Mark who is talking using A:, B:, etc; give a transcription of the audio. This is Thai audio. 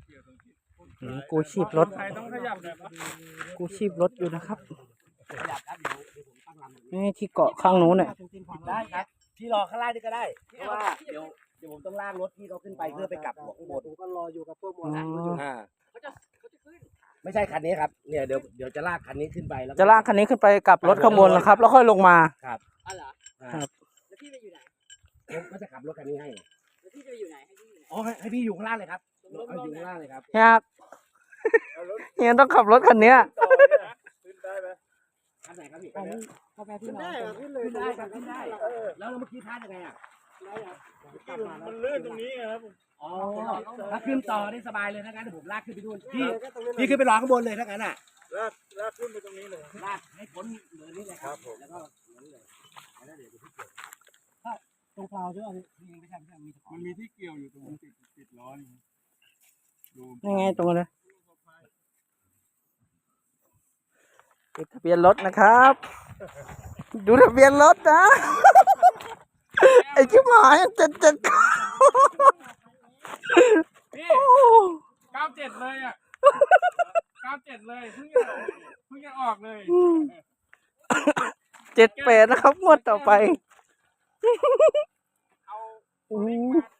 A: กู้ชีพรถ
B: ใครต้องขยับแบบ
A: กู้ชีพรถอยู่นะครับ
C: ขยับครับเดี๋ยวผมตั้งลำ
A: นี่ที่เกาะข้างนู้นเนี่ย
C: ได้ครับพี่รอข้างล่างนี่ก็ได้เพราะว่าเดี๋ยวผมต้องลากรถพี่เขาขึ้นไปเพื่อไปกลับหัวข้างบนผมก็รออยู่กับพวกมอเตอร์ไซค์อยู่เขาจะขึ้นไม่ใช่คันนี้ครับเนี่ยเดี๋ยวจะลากคันนี้ขึ้นไปแล้ว
A: จะลากคันนี้ขึ้นไปกับรถข้างบนนะครับ แล้วค่อยลงมา
C: ครับ
D: อ๋อเหรอ
A: ครับ
D: แล้วพี่ไปอยู่ไหน
C: ผมก็จะขับรถคันนี้ให้
D: แล้วพี่จะไปอยู่ไหนให้พี่อยู่ไหน
C: อ๋อให้พี่อยู่ข้างล่างเลยครับเอาอยู่ข้างล่างเลยครับ
A: เฮียเฮียต้องขับรถคันเนี้ย
B: ขึ้นได้ไหม
C: คันไหนครับพี่
D: กาแฟที่
B: ขึ้น
D: น้อ
B: ได้
D: ง
C: ขึ้นได้ครับขึ้นได้แล้วเมื่อกี้ท่ายังไงอ่ะ
B: มันลื่นตรงนี้ครับ
C: อ๋อถ้าขึ้นต่อได้สบายเลยถ้างั้นเดี๋ยวผมลากขึ้นไปดูพี่ขึ้นไปรอข้างบนเลยถ้างั้นอ่ะ
B: ลากขึ้นไปตรงนี้เลย
C: ลากให้พ้นเนินนี่เลยครับแล้วก็นี่เลยแล้วเดี๋ยวพี่เกี่ยวตรงเปล่าใช่ไหมพี่ไม่ใช่มี
B: มันมีที่เกี่ยวอยู่ตรงติดล้อนี่ดู
A: ยังไงตรงเลยติดทะเบียนรถนะครับ ดูทะเบียนรถนะ ไอ้ชิบหายจะ
B: พี่97เลยอ่ะ97เลยเพิ่งจะออกเลย
A: 78นะครับงวดต่อไป
B: เอา
A: โอ้
B: วิ่งมา